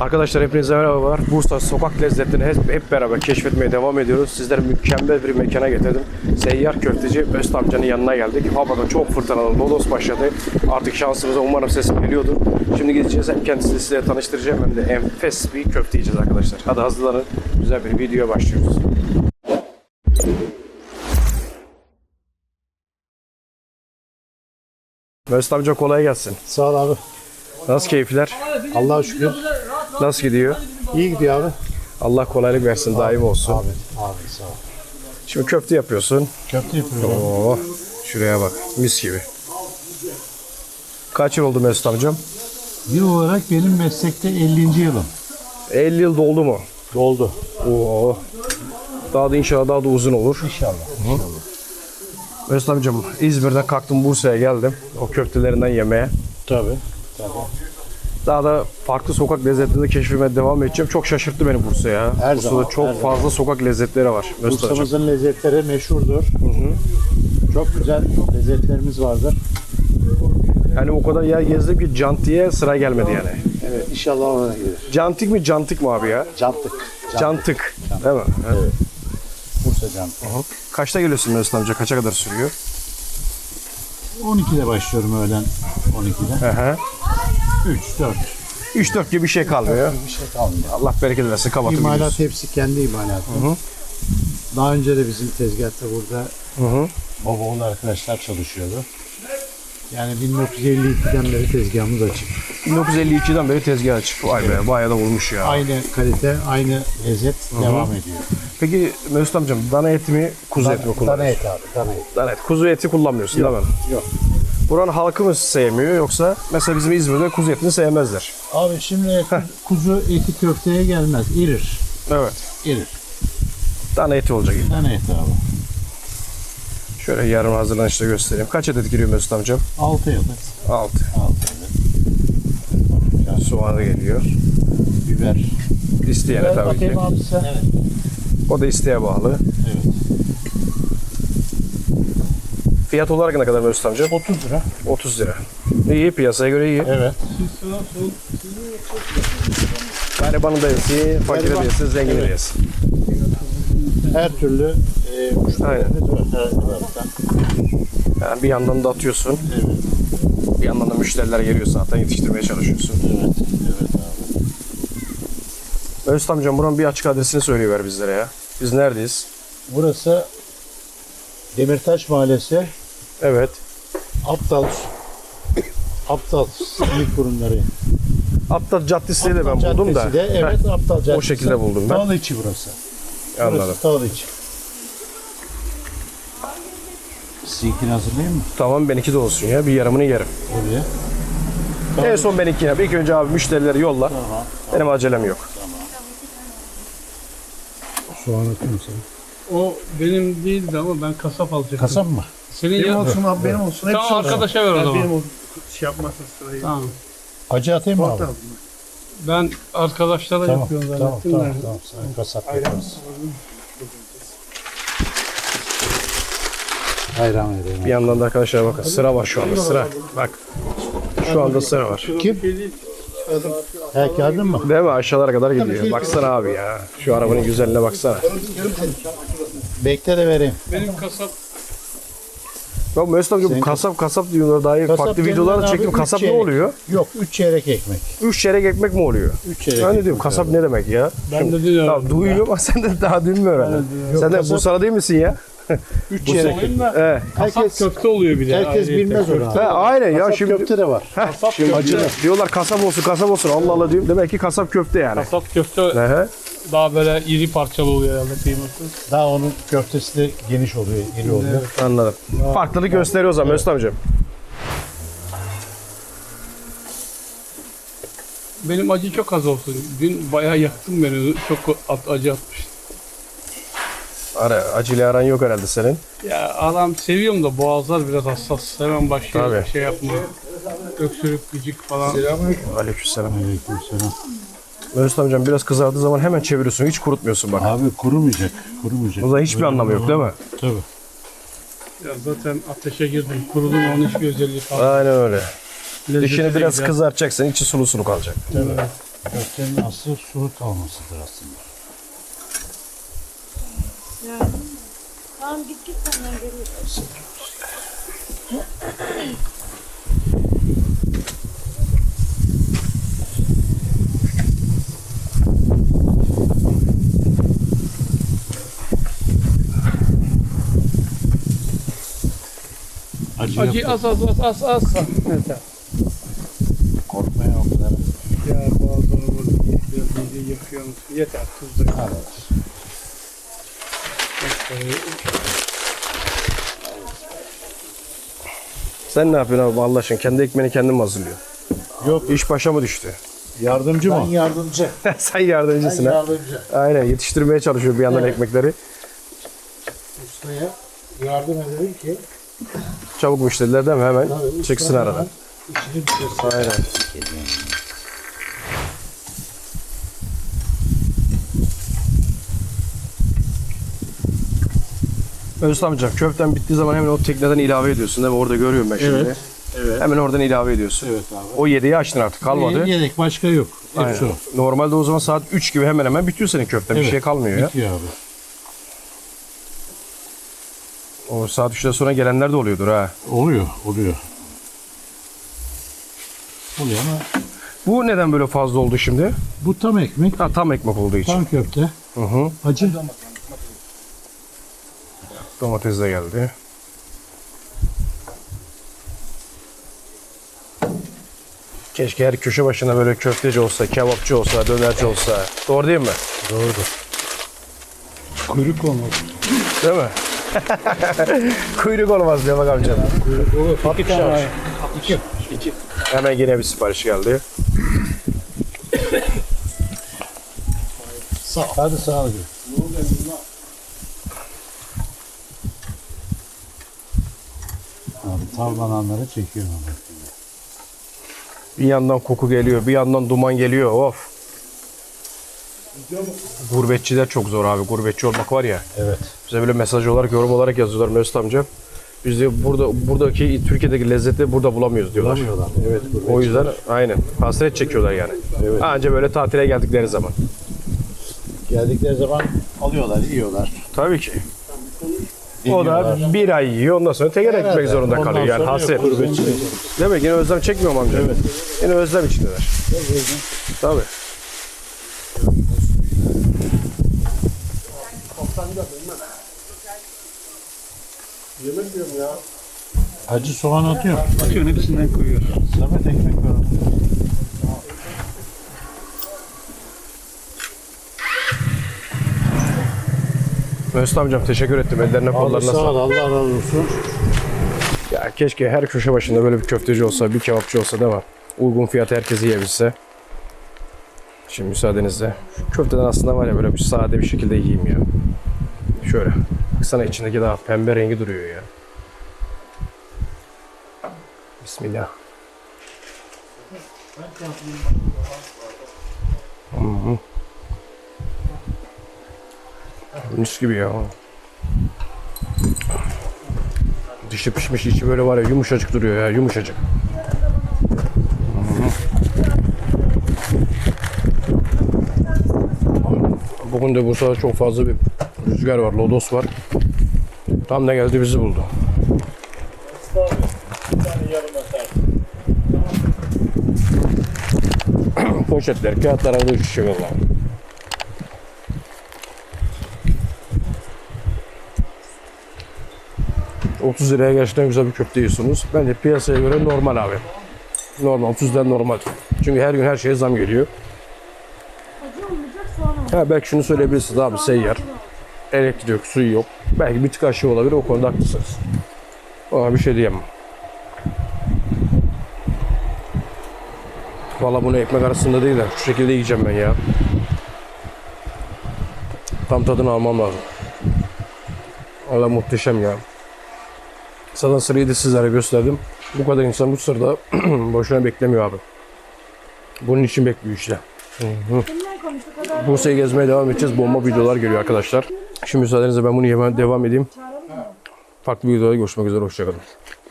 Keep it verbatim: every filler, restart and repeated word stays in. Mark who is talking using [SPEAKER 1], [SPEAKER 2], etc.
[SPEAKER 1] Arkadaşlar hepinize merhabalar. Bursa sokak lezzetlerini hep, hep beraber keşfetmeye devam ediyoruz. Sizleri mükemmel bir mekana getirdim. Seyyar köfteci Mesut amcanın yanına geldik. Havada çok fırtınalı lodos başladı. Artık şansımıza umarım sesim geliyordur. Şimdi gideceğiz. Hem kendisini size tanıştıracağım hem de enfes bir köfte yiyeceğiz arkadaşlar. Hadi hazırlanın. Güzel bir videoya başlıyoruz. Mesut amca kolay gelsin.
[SPEAKER 2] Sağ ol abi.
[SPEAKER 1] Nasıl keyifler?
[SPEAKER 2] Allah'a şükür.
[SPEAKER 1] Nasıl gidiyor?
[SPEAKER 2] İyi gidiyor abi.
[SPEAKER 1] Allah kolaylık versin, daim olsun.
[SPEAKER 2] Abi, abi sağ ol.
[SPEAKER 1] Şimdi köfte yapıyorsun.
[SPEAKER 2] Köfte yapıyorum.
[SPEAKER 1] Oo, şuraya bak, mis gibi. Kaç yıl oldu Mesut amcam?
[SPEAKER 2] Yıl olarak benim meslekte ellinci yılım.
[SPEAKER 1] elli yıl doldu mu?
[SPEAKER 2] Doldu.
[SPEAKER 1] Oo. Daha da inşallah daha da uzun olur.
[SPEAKER 2] İnşallah. İnşallah.
[SPEAKER 1] Mesut amcam, İzmir'den kalktım, Bursa'ya geldim. O köftelerinden yemeye.
[SPEAKER 2] Tabii. Tabii.
[SPEAKER 1] Daha da farklı sokak lezzetlerini keşfetmeye devam edeceğim. Çok şaşırttı beni Bursa ya.
[SPEAKER 2] Her
[SPEAKER 1] Bursa'da
[SPEAKER 2] zaman,
[SPEAKER 1] çok
[SPEAKER 2] her
[SPEAKER 1] fazla
[SPEAKER 2] zaman.
[SPEAKER 1] sokak lezzetleri var. Mesut amcam.
[SPEAKER 2] Bursa'mızın lezzetleri meşhurdur. Hı hı. Çok güzel lezzetlerimiz vardır.
[SPEAKER 1] Yani o kadar yer gezdim ki cantiye sıra gelmedi yani.
[SPEAKER 2] Evet, inşallah ona gelir.
[SPEAKER 1] Cantik mi cantik mi abi ya?
[SPEAKER 2] Cantık.
[SPEAKER 1] Cantık. Değil mi? Evet.
[SPEAKER 2] Evet. Bursa cantık.
[SPEAKER 1] Kaçta geliyorsun Mesut amca? Kaça kadar sürüyor?
[SPEAKER 2] on ikide başlıyorum öğlen on ikide.
[SPEAKER 1] Hı hı.
[SPEAKER 2] üç dört.
[SPEAKER 1] üç dört gibi bir şey kalmıyor.
[SPEAKER 2] Bir şey kalmıyor.
[SPEAKER 1] Allah bereket versin. Kapatıp
[SPEAKER 2] İmalat
[SPEAKER 1] gidiyorsun.
[SPEAKER 2] hepsi kendi imalatı. Hı hı. Daha önce de bizim tezgahta burada
[SPEAKER 1] Hı hı.
[SPEAKER 2] baba oğul arkadaşlar çalışıyordu. Yani bin dokuz yüz elli ikiden beri tezgahımız açık.
[SPEAKER 1] bin dokuz yüz elli ikiden beri tezgah açık. Vay be, bayağı da olmuş ya.
[SPEAKER 2] Aynı kalite, aynı lezzet devam ediyor.
[SPEAKER 1] Peki Mesut amcam, dana eti mi, kuzu eti mi
[SPEAKER 2] Dana
[SPEAKER 1] kullanıyorsun?
[SPEAKER 2] et abi, dana et.
[SPEAKER 1] Dana et. Kuzu eti kullanmıyorsun
[SPEAKER 2] Yok,
[SPEAKER 1] değil mi?
[SPEAKER 2] yok.
[SPEAKER 1] Buranın halkı mı sevmiyor, yoksa mesela bizim İzmir'de kuzu etini sevmezler.
[SPEAKER 2] Abi şimdi kuzu eti köfteye gelmez, irir.
[SPEAKER 1] Evet.
[SPEAKER 2] İrir.
[SPEAKER 1] Dana eti olacak.
[SPEAKER 2] Dana et abi.
[SPEAKER 1] Şöyle yarım hazırlanışta göstereyim. Kaç adet giriyor Mesut amcam?
[SPEAKER 2] Altı yıllık.
[SPEAKER 1] altı.
[SPEAKER 2] Altı yıllık.
[SPEAKER 1] Soğanı geliyor.
[SPEAKER 2] Biber.
[SPEAKER 1] İsteyene
[SPEAKER 2] Biber
[SPEAKER 1] tabii ki.
[SPEAKER 2] bakayım abi sen. Evet.
[SPEAKER 1] O da isteğe bağlı.
[SPEAKER 2] Evet.
[SPEAKER 1] Fiyat olarak ne kadar Mesut amcam?
[SPEAKER 2] otuz lira.
[SPEAKER 1] otuz lira. İyi, piyasaya göre iyi.
[SPEAKER 2] Evet.
[SPEAKER 1] Garibanı da yesin, fakiri de
[SPEAKER 2] Gariban.
[SPEAKER 1] yesin, zengini de
[SPEAKER 2] Evet.
[SPEAKER 1] yesin.
[SPEAKER 2] Her türlü e, müşterilerimiz var. Her taraftan.
[SPEAKER 1] Yani bir yandan da atıyorsun,
[SPEAKER 2] Evet.
[SPEAKER 1] bir yandan da müşteriler geliyor, zaten yetiştirmeye çalışıyorsun.
[SPEAKER 2] Evet. Evet abi.
[SPEAKER 1] Mesut amcam, buranın bir açık adresini söyleyiver bizlere ya. Biz neredeyiz?
[SPEAKER 2] Burası Demirtaş Mahallesi.
[SPEAKER 1] Evet.
[SPEAKER 2] Aptal Aptal Simit Kurumları.
[SPEAKER 1] Aptal Caddesi'ni de ben buldum da.
[SPEAKER 2] Caddesi de, evet,
[SPEAKER 1] Heh,
[SPEAKER 2] Aptal Caddesi.
[SPEAKER 1] o şekilde buldum ben.
[SPEAKER 2] Tağlı içi burası.
[SPEAKER 1] Anladım.
[SPEAKER 2] Burası Tağlı içi. Sizinkini hazırlayayım mı?
[SPEAKER 1] Tamam, benimki de olsun ya. Bir yarımını yerim.
[SPEAKER 2] Oraya.
[SPEAKER 1] En son benimki yap. İlk önce abi müşterileri yolla.
[SPEAKER 2] Tamam.
[SPEAKER 1] Benim acelem yok.
[SPEAKER 2] Soğan atıyorum sana.
[SPEAKER 3] O benim değildi ama ben kasap alacaktım.
[SPEAKER 2] Kasap mı?
[SPEAKER 3] Senin
[SPEAKER 4] Benim
[SPEAKER 3] ya.
[SPEAKER 4] olsun abi, benim olsun. Hepsi
[SPEAKER 3] Tamam,
[SPEAKER 4] olsun.
[SPEAKER 3] arkadaşa ver o
[SPEAKER 4] Yani
[SPEAKER 3] zaman.
[SPEAKER 4] benim olsun. Şey yapmasın sırayı.
[SPEAKER 3] Tamam.
[SPEAKER 2] Acı atayım mı abi?
[SPEAKER 4] Tamam.
[SPEAKER 3] Ben arkadaşlara
[SPEAKER 2] Tamam.
[SPEAKER 3] yapıyorum
[SPEAKER 2] Tamam.
[SPEAKER 3] zannettim
[SPEAKER 2] Tamam.
[SPEAKER 3] de.
[SPEAKER 2] Tamam. Sen kasap yaparız. Hayran vereyim.
[SPEAKER 1] Bir yandan da arkadaşlar bakın, sıra var şu anda, sıra. Bak. Şu anda sıra var.
[SPEAKER 2] Kim? He, kağıdın mı?
[SPEAKER 1] Değil mi? Aşağılara kadar gidiyor. Baksana abi ya. Şu arabanın güzelliğine baksana.
[SPEAKER 2] Bekle de vereyim.
[SPEAKER 3] Benim kasap
[SPEAKER 1] Bak Mesut amca, bu kasap kasap diyorlar. Daha iyi
[SPEAKER 2] Kasap
[SPEAKER 1] farklı
[SPEAKER 2] denilen
[SPEAKER 1] videolar
[SPEAKER 2] abi
[SPEAKER 1] çektim.
[SPEAKER 2] üç
[SPEAKER 1] Kasap ne
[SPEAKER 2] çeyrek.
[SPEAKER 1] oluyor?
[SPEAKER 2] Yok, üç çeyrek ekmek.
[SPEAKER 1] Üç çeyrek ekmek mi oluyor?
[SPEAKER 2] Üç çeyrek
[SPEAKER 1] Ben ne
[SPEAKER 2] ekmek
[SPEAKER 1] diyorum? Kasap
[SPEAKER 2] abi.
[SPEAKER 1] ne demek ya?
[SPEAKER 3] ben de diyorum.
[SPEAKER 1] Tamam, duyuyorum ama sen de daha dün mü öğrendin? Sen de
[SPEAKER 2] kasap-
[SPEAKER 1] Bursa'da değil misin ya?
[SPEAKER 2] Üç çeyrek ekmek.
[SPEAKER 3] Olayım da
[SPEAKER 1] Evet.
[SPEAKER 3] kasap
[SPEAKER 2] Herkes,
[SPEAKER 3] köfte oluyor bir de.
[SPEAKER 2] herkes
[SPEAKER 3] ayrıca.
[SPEAKER 2] bilmez onu abi.
[SPEAKER 1] He, aynen ya,
[SPEAKER 2] Kasap
[SPEAKER 1] şimdi
[SPEAKER 2] köfte de var.
[SPEAKER 1] Heh, şimdi
[SPEAKER 3] köfte.
[SPEAKER 1] diyorlar kasap olsun kasap olsun, Allah Allah diyorum. Demek ki kasap köfte yani.
[SPEAKER 3] Kasap köfte
[SPEAKER 1] Ehe.
[SPEAKER 3] daha böyle iri parçalı oluyor herhalde, kıymetli.
[SPEAKER 2] Daha onun köftesi de geniş oluyor, iri oluyor.
[SPEAKER 1] Anladım. Farklılık gösteriyor o zaman Mesut amcam.
[SPEAKER 3] Benim acı çok az olsun. Dün bayağı yaktın beni. Çok at- acı atmış.
[SPEAKER 1] Ara, acıyla aran yok herhalde senin.
[SPEAKER 3] Ya adam seviyorum da boğazlar biraz hassas. Hemen başlıyor
[SPEAKER 1] Tabii.
[SPEAKER 3] şey yapmaya. Öksürük, gıcık falan.
[SPEAKER 1] Aleykümselam.
[SPEAKER 2] Aleykümselam.
[SPEAKER 1] Mesut amcam, biraz kızardığı zaman hemen çeviriyorsun. Hiç kurutmuyorsun bak.
[SPEAKER 2] Abi kurumayacak, kurumayacak.
[SPEAKER 1] O zaman hiçbir anlamı yok değil mi?
[SPEAKER 2] Tabii.
[SPEAKER 3] Ya zaten ateşe girdim. Kurudum, onun hiçbir özelliği kalmadı.
[SPEAKER 1] Aynen öyle.
[SPEAKER 3] Lezzeti
[SPEAKER 1] Dişini
[SPEAKER 3] de
[SPEAKER 1] biraz
[SPEAKER 3] güzel.
[SPEAKER 1] kızartacaksın. İçi sulu sulu kalacak.
[SPEAKER 3] Evet.
[SPEAKER 2] Köftenin aslı sulu kalmasıdır aslında.
[SPEAKER 5] Yani. Tamam git git senden geliyor.
[SPEAKER 2] Acı,
[SPEAKER 3] Acı
[SPEAKER 2] yok.
[SPEAKER 3] az az az az az. Yeter.
[SPEAKER 2] Korkmaya o kadar.
[SPEAKER 3] Ya bazıları burada biraz iyice yakıyor musun? Yeter tuz da.
[SPEAKER 2] Evet.
[SPEAKER 1] Sen ne yapıyorsun abi Allah aşkına? Kendi ekmeğini kendin mi hazırlıyorsun?
[SPEAKER 2] Yok.
[SPEAKER 1] İş başa mı düştü?
[SPEAKER 2] Yardımcı
[SPEAKER 6] Ben
[SPEAKER 2] mı?
[SPEAKER 6] yardımcı.
[SPEAKER 1] Sen
[SPEAKER 6] Ben
[SPEAKER 1] yardımcısın ha.
[SPEAKER 6] yardımcı.
[SPEAKER 1] Aynen yetiştirmeye çalışıyor bir yandan
[SPEAKER 6] Evet.
[SPEAKER 1] ekmekleri.
[SPEAKER 6] Ustaya yardım edelim ki
[SPEAKER 1] Çabuk müşteriler değil mi? Hemen
[SPEAKER 6] tabii usta
[SPEAKER 1] çıksın aradan.
[SPEAKER 6] hemen işini bitirsin.
[SPEAKER 1] Aynen. Özlem amca köften bittiği zaman hemen o tekneden ilave ediyorsun değil mi? Orada görüyorum ben şimdi.
[SPEAKER 2] Evet. Evet.
[SPEAKER 1] Hemen oradan ilave ediyorsun.
[SPEAKER 2] Evet abi.
[SPEAKER 1] O yediği açtın artık kalmadı.
[SPEAKER 2] Yedek başka yok. Hepsi
[SPEAKER 1] Aynen.
[SPEAKER 2] o.
[SPEAKER 1] Normalde o zaman saat üç gibi hemen hemen bitiyor senin köften. Bir
[SPEAKER 2] Evet,
[SPEAKER 1] şey kalmıyor ya.
[SPEAKER 2] Bitiyor abi.
[SPEAKER 1] O saat üçten sonra gelenler de oluyordur ha.
[SPEAKER 2] Oluyor, oluyor. Oluyor ama
[SPEAKER 1] Bu neden böyle fazla oldu şimdi?
[SPEAKER 2] bu tam ekmek,
[SPEAKER 1] Ha, tam ekmek olduğu için.
[SPEAKER 2] tam köfte,
[SPEAKER 1] Hı hı.
[SPEAKER 2] acı.
[SPEAKER 1] Domates de geldi. Keşke her köşe başına böyle köfteci olsa, kebapçı olsa, dönerci olsa. Doğru değil mi?
[SPEAKER 2] Doğrudur.
[SPEAKER 3] Kuyruk olmaz.
[SPEAKER 1] Değil mi? Kuyruk olmaz diyor bak amcam.
[SPEAKER 3] İki tane. İki.
[SPEAKER 1] Hemen yine bir sipariş geldi.
[SPEAKER 2] Hadi sağ ol. Abi tavlananları çekiyorum abi.
[SPEAKER 1] Bir yandan koku geliyor, bir yandan duman geliyor. Of. Gurbetçiler çok zor abi. Gurbetçi olmak var ya.
[SPEAKER 2] Evet.
[SPEAKER 1] Bize böyle mesaj olarak, yorum olarak yazıyorlar Mesut amca. Biz de burada buradaki Türkiye'deki lezzeti burada bulamıyoruz diyorlar.
[SPEAKER 2] Bulamıyorlar. Evet.
[SPEAKER 1] O yüzden aynen hasret çekiyorlar yani.
[SPEAKER 2] Evet.
[SPEAKER 1] Anca böyle tatile geldikleri zaman.
[SPEAKER 2] Geldikleri zaman alıyorlar, yiyorlar.
[SPEAKER 1] Tabii ki. O da bir ay yiyor ondan sonra tekrar ekmek zorunda
[SPEAKER 2] Ondan
[SPEAKER 1] kalıyor yani
[SPEAKER 2] sonra
[SPEAKER 1] hasret.
[SPEAKER 2] yok, gurbetçi.
[SPEAKER 1] Demek yine özlem çekmiyor mu amca? Evet. Yine özlem içindeler. Tabii.
[SPEAKER 2] Acı soğan atıyor.
[SPEAKER 3] Atıyorsun hepsinden koyuyor.
[SPEAKER 2] Samet ekmek var.
[SPEAKER 1] Mesut amcam teşekkür ettim. Ellerine
[SPEAKER 2] Abi
[SPEAKER 1] kollarına
[SPEAKER 2] sağ ol,
[SPEAKER 1] sağlık.
[SPEAKER 2] Allah razı olsun.
[SPEAKER 1] Ya keşke her köşe başında böyle bir köfteci olsa, bir kebapçı olsa değil mi? Uygun fiyata herkes yiyebilse. Şimdi müsaadenizle. Şu köfteden aslında var ya böyle bir sade bir şekilde yiyeyim ya. Şöyle. Baksana içindeki daha pembe rengi duruyor ya. Bismillah. Hı hı. Mis gibi ya. Dışı pişmiş, içi böyle var ya yumuşacık duruyor ya, yumuşacık. Hı hı. Bugün de Bursa'da çok fazla bir rüzgar var, lodos var. Tam da geldi bizi buldu. Poşetler, kağıtlar havada uçuşuyor valla. otuz liraya gerçekten güzel bir köfte yiyorsunuz. Bence piyasaya göre normal abi. Normal, otuzdan normal. Çünkü her gün her şeye zam geliyor.
[SPEAKER 5] Acı olmayacak soğan
[SPEAKER 1] Ha, belki şunu söyleyebilirsiniz abi seyyar. Elektrik yok, suyu yok. Belki bir tık aşağı olabilir, o konuda haklısınız. Ona bir şey diyemem. Valla bunu ekmek arasında değil de şu şekilde yiyeceğim ben ya. Tam tadını almam lazım. Valla muhteşem ya. Zaten sırayı da sizlere gösterdim. Bu kadar insan bu sırada boşuna beklemiyor abi. Bunun için bekliyor işte.
[SPEAKER 5] Kimler konuştu kadar
[SPEAKER 1] Bursa'yı gezmeye devam edeceğiz. Bomba videolar geliyor arkadaşlar. Şimdi müsaadenizle ben bunu yemeye devam edeyim. Farklı videolarda görüşmek üzere. Hoşçakalın.